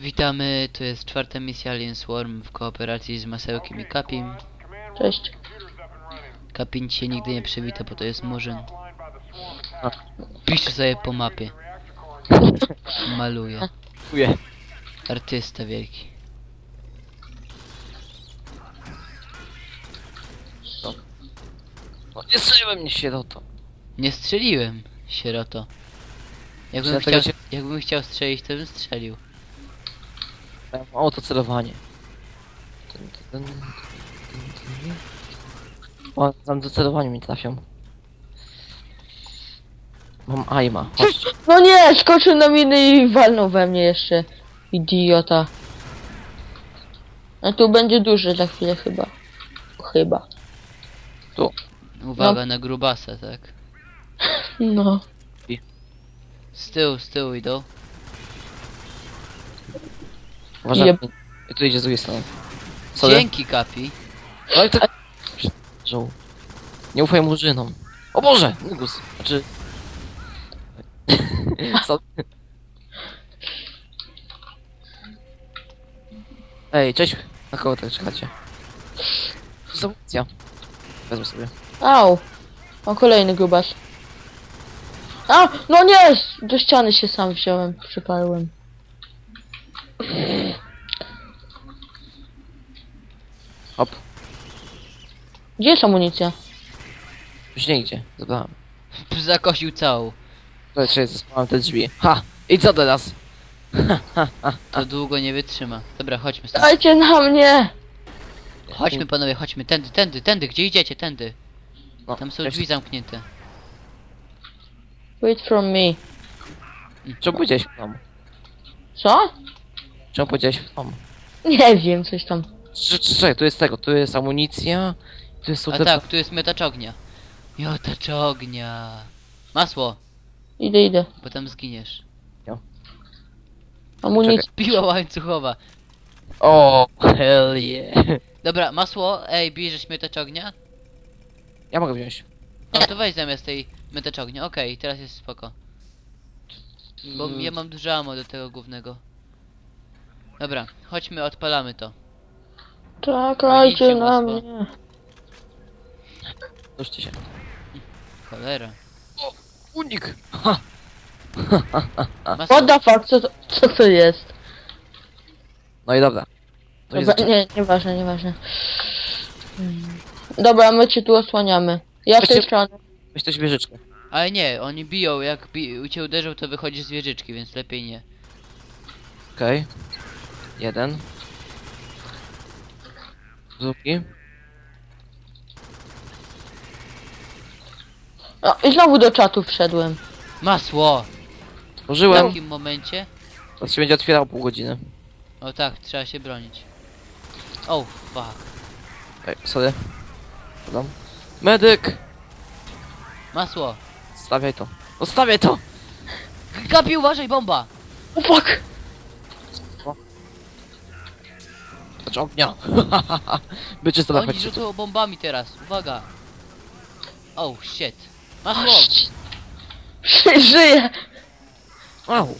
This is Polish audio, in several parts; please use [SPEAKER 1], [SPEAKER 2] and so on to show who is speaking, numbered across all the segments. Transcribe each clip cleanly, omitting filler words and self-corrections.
[SPEAKER 1] Witamy, to jest czwarta misja Alien Swarm w kooperacji z Masełkiem i Kapim.
[SPEAKER 2] Cześć.
[SPEAKER 1] Kapin się nigdy nie przywita, bo to jest murzyn. Pisze sobie po mapie. Maluje.
[SPEAKER 3] Dziękuję.
[SPEAKER 1] Artysta wielki.
[SPEAKER 3] No, nie strzeliłem mnie sieroto.
[SPEAKER 1] Nie strzeliłem, sieroto. Jakbym
[SPEAKER 3] Dlatego
[SPEAKER 1] chciał, jakbym chciał strzelić, to bym strzelił.
[SPEAKER 3] O, to celowanie. O, tam do celowania mi trafią. Mam aima. Chodź.
[SPEAKER 2] No nie, skoczył na miny i walnął we mnie jeszcze. Idiota. A tu będzie duży za chwilę chyba. Chyba.
[SPEAKER 3] Tu.
[SPEAKER 1] Uwaga na grubasa, tak?
[SPEAKER 2] No.
[SPEAKER 1] Z tyłu idą.
[SPEAKER 3] Uważaj.
[SPEAKER 2] Jeb.
[SPEAKER 3] I tu idzie z drugiej strony. Sorry.
[SPEAKER 1] Dzięki, Kapi.
[SPEAKER 3] Ale to... Żoł. Nie ufaj murzynom. O Boże! Nugus. Znaczy... Co? Ej, cześć. Na kogo tak czekacie? Zamunicja. Wezmę sobie.
[SPEAKER 2] Au. O, kolejny grubas. A, no nie! Do ściany się sam wziąłem. Przyparłem.
[SPEAKER 3] Hop.
[SPEAKER 2] Gdzie jest amunicja?
[SPEAKER 3] Już nie idzie. Zabrałem.
[SPEAKER 1] Zakosił całą.
[SPEAKER 3] Zobaczcie, zespałem te drzwi. Ha! I co teraz?
[SPEAKER 1] To długo nie wytrzyma. Dobra, chodźmy stąd.
[SPEAKER 2] Dajcie na mnie!
[SPEAKER 1] Chodźmy panowie, chodźmy. Tędy. Gdzie idziecie? Tędy.
[SPEAKER 3] No,
[SPEAKER 1] Tam są
[SPEAKER 3] cześć.
[SPEAKER 1] drzwi zamknięte.
[SPEAKER 2] Wait from me.
[SPEAKER 3] Czemu powiedziałeś w domu?
[SPEAKER 2] Co?
[SPEAKER 3] Czemu powiedziałeś w domu?
[SPEAKER 2] Nie wiem, coś tam.
[SPEAKER 3] Czekaj, tu jest tego, tu jest amunicja. Tu jest
[SPEAKER 1] A tak, tu jest miotacz ognia. Miotacz ognia. Masło,
[SPEAKER 2] Idę.
[SPEAKER 1] bo tam zginiesz.
[SPEAKER 2] Amunicja.
[SPEAKER 1] Piła łańcuchowa.
[SPEAKER 3] O, hell yeah.
[SPEAKER 1] Dobra, masło, ej, bierzesz miotacz ognia?
[SPEAKER 3] Ja mogę wziąć.
[SPEAKER 1] No to weź zamiast tej miotacz ognia. Okej, teraz jest spoko. Bo ja mam dużo ammo do tego głównego. Dobra, chodźmy, odpalamy to.
[SPEAKER 2] Czekajcie
[SPEAKER 1] Idźcie,
[SPEAKER 2] na
[SPEAKER 1] masło.
[SPEAKER 2] mnie.
[SPEAKER 3] Ruszcie się.
[SPEAKER 1] Cholera.
[SPEAKER 3] Unik! Ha!
[SPEAKER 1] Masło,
[SPEAKER 2] What the fuck, co to jest?
[SPEAKER 3] No i dobra. To jest
[SPEAKER 2] Dobra, nie, nieważne. Dobra, my cię tu osłaniamy. Ja z tej
[SPEAKER 3] Weźcie-
[SPEAKER 2] strony.
[SPEAKER 3] weź też wieżyczkę.
[SPEAKER 1] ale nie, oni biją, jak cię uderzą, to wychodzisz z wieżyczki, więc lepiej nie.
[SPEAKER 3] Okej. Jeden. Drugi.
[SPEAKER 2] O, i znowu do czatu wszedłem.
[SPEAKER 1] Masło! W
[SPEAKER 3] Tworzyłem.
[SPEAKER 1] takim momencie...
[SPEAKER 3] To się będzie otwierał pół godziny.
[SPEAKER 1] O tak, trzeba się bronić. Oh, fuck.
[SPEAKER 3] Ej, sorry. Podam. Medyk!
[SPEAKER 1] Masło!
[SPEAKER 3] Stawiaj to. Zostawiaj to!
[SPEAKER 1] Kapi, uważaj, bomba!
[SPEAKER 2] O fuck!
[SPEAKER 3] Znaczy ognia. Bycie sobie
[SPEAKER 1] Oni
[SPEAKER 3] chodźcie tu.
[SPEAKER 1] rzucą bombami teraz, uwaga! Oh, shit. Masło!
[SPEAKER 2] Żyję!
[SPEAKER 3] Au.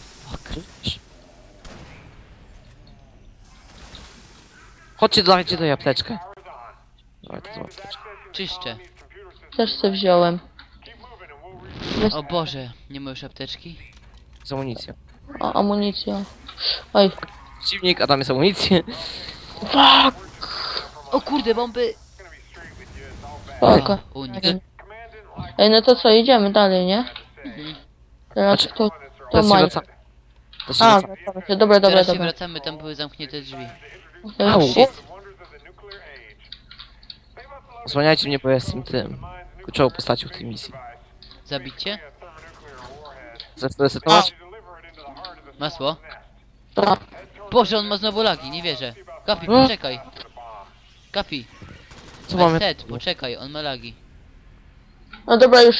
[SPEAKER 3] Chodźcie, dajcie do apteczkę. Dawaj, to apteczkę.
[SPEAKER 1] Czyszczę.
[SPEAKER 2] Też se wziąłem.
[SPEAKER 1] O Boże, nie ma już apteczki?
[SPEAKER 3] Z amunicją.
[SPEAKER 2] O, amunicja. Oj.
[SPEAKER 3] Przeciwnik, a tam jest amunicja.
[SPEAKER 2] Fuck!
[SPEAKER 1] O kurde, bomby!
[SPEAKER 2] Spoko.
[SPEAKER 1] Unik.
[SPEAKER 2] Ej, no to co, idziemy dalej, nie?
[SPEAKER 1] Mhm.
[SPEAKER 2] Teraz
[SPEAKER 3] Znaczy,
[SPEAKER 2] to
[SPEAKER 3] Teraz się
[SPEAKER 2] Maj.
[SPEAKER 3] wraca. Teraz się
[SPEAKER 2] A,
[SPEAKER 3] wraca.
[SPEAKER 2] wracamy się. Dobra.
[SPEAKER 1] Teraz się wracamy, tam były zamknięte drzwi.
[SPEAKER 3] Au.
[SPEAKER 1] Shit.
[SPEAKER 3] Osłaniajcie mnie, bo ja jestem tym kluczową postacią w tej misji.
[SPEAKER 1] Zabicie?
[SPEAKER 3] Chcesz to resetować?
[SPEAKER 1] Masło?
[SPEAKER 2] To,
[SPEAKER 1] Boże, on ma znowu lagi, nie wierzę. Kapi,
[SPEAKER 3] O!
[SPEAKER 1] poczekaj. Kapi,
[SPEAKER 3] Co mamy?
[SPEAKER 1] set, poczekaj, on ma lagi.
[SPEAKER 2] no dobra, już.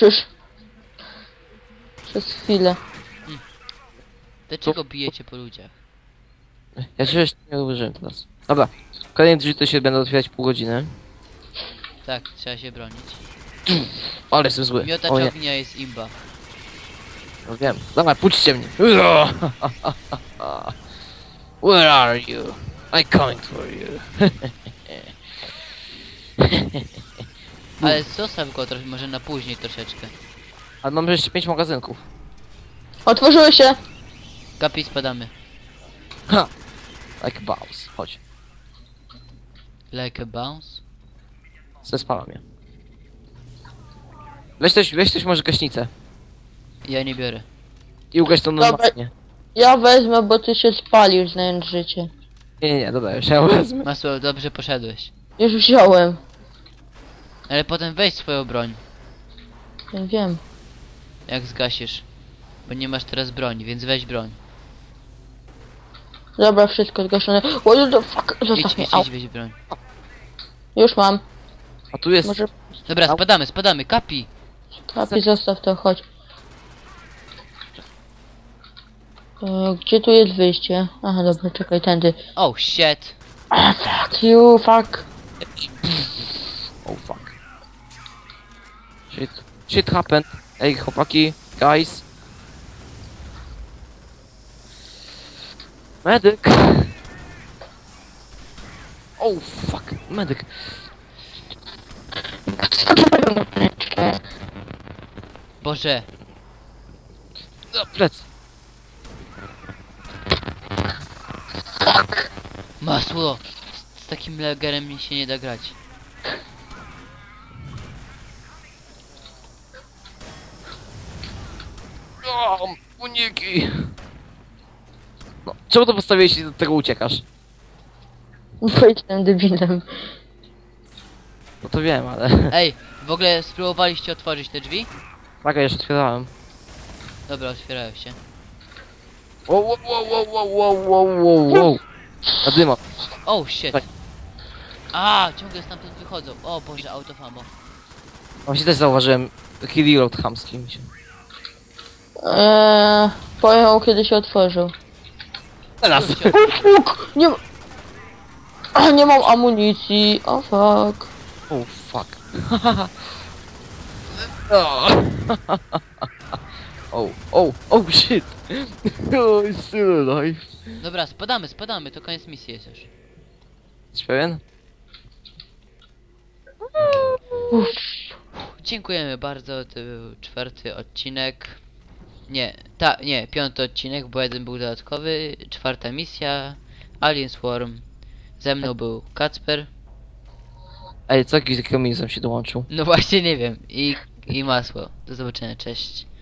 [SPEAKER 2] Przez chwilę.
[SPEAKER 1] Dlaczego bijecie po ludziach?
[SPEAKER 3] Ja się jeszcze nie użyłem teraz. Dobra. Kolejne drzwi to się będą otwierać pół godziny.
[SPEAKER 1] Tak, trzeba się bronić.
[SPEAKER 3] Ale jestem zły.
[SPEAKER 1] Miotacz
[SPEAKER 3] O nie,
[SPEAKER 1] ognia jest imba.
[SPEAKER 3] no wiem. Dawaj, puśćcie mnie. Where are you? I coming for you.
[SPEAKER 1] Ale zostaw go trochę, może na później troszeczkę.
[SPEAKER 3] Ale mam jeszcze 5 magazynków.
[SPEAKER 2] Otworzyły się!
[SPEAKER 1] Kapi, spadamy.
[SPEAKER 3] Ha! Like bounce. Chodź.
[SPEAKER 1] Like a bounce?
[SPEAKER 3] Zespalam je. Weź coś może gaśnicę.
[SPEAKER 1] Ja nie biorę.
[SPEAKER 3] I ugaś to
[SPEAKER 2] Dobra.
[SPEAKER 3] normalnie.
[SPEAKER 2] Ja wezmę, bo ty się spalił, znając życie.
[SPEAKER 3] Nie, dobra, już ja wezmę.
[SPEAKER 1] Masło, dobrze poszedłeś.
[SPEAKER 2] Już wziąłem.
[SPEAKER 1] Ale potem weź swoją broń,
[SPEAKER 2] Ja wiem.
[SPEAKER 1] jak zgasisz. Bo nie masz teraz broni, więc weź broń.
[SPEAKER 2] Dobra, wszystko zgaszone. What the fuck?
[SPEAKER 1] Idź,
[SPEAKER 2] Zostaw mnie.
[SPEAKER 1] idź,
[SPEAKER 2] Au.
[SPEAKER 1] idź, weź broń.
[SPEAKER 2] Już mam.
[SPEAKER 3] A tu jest...
[SPEAKER 2] Może
[SPEAKER 1] Dobra,
[SPEAKER 3] Au.
[SPEAKER 1] spadamy, Kapi!
[SPEAKER 2] kapi, zostaw to, chodź. Gdzie tu jest wyjście? Aha, dobra, czekaj, tędy.
[SPEAKER 1] Oh shit!
[SPEAKER 2] Fuck you, fuck.
[SPEAKER 3] Oh fuck. Shit happened. Ej, chłopaki, guys. Medyk. Oh fuck, medyk.
[SPEAKER 1] Boże!
[SPEAKER 3] No, plec.
[SPEAKER 1] Masło! Z takim lagerem mi się nie da grać.
[SPEAKER 3] O, uniki. No, czemu to postawiłeś i do tego uciekasz?
[SPEAKER 2] Bo jestem debilem.
[SPEAKER 3] No to wiem, ale...
[SPEAKER 1] Ej, w ogóle spróbowaliście otworzyć te drzwi?
[SPEAKER 3] Tak, ja już otwierałem.
[SPEAKER 1] Dobra, otwierają się.
[SPEAKER 3] Wow, wow, wow, wow, wow, wow, wow, wow. A dyma.
[SPEAKER 1] Oh shit!
[SPEAKER 3] Tak.
[SPEAKER 1] A, ciągle stamtąd wychodzą. O Boże, autofamo.
[SPEAKER 3] Właśnie też zauważyłem taki reload chamski mi się.
[SPEAKER 2] Pojechał kiedy się otworzył.
[SPEAKER 3] Teraz!
[SPEAKER 1] Się-
[SPEAKER 2] Nie ma... Nie mam amunicji. O fuck.
[SPEAKER 3] Oh fuck. Oh, oh shit. Oh, it's still alive.
[SPEAKER 1] Dobra, spadamy, to koniec misji jest już.
[SPEAKER 3] Jesteś pewien?
[SPEAKER 2] Uff.
[SPEAKER 1] Dziękujemy bardzo, to był 4. odcinek. Nie, 5. odcinek, bo jeden był dodatkowy. 4. misja, Alien Swarm. Ze mną był Kacper.
[SPEAKER 3] Ej, co jakiś kamizem się dołączył?
[SPEAKER 1] No właśnie nie wiem. I masło. Do zobaczenia, cześć.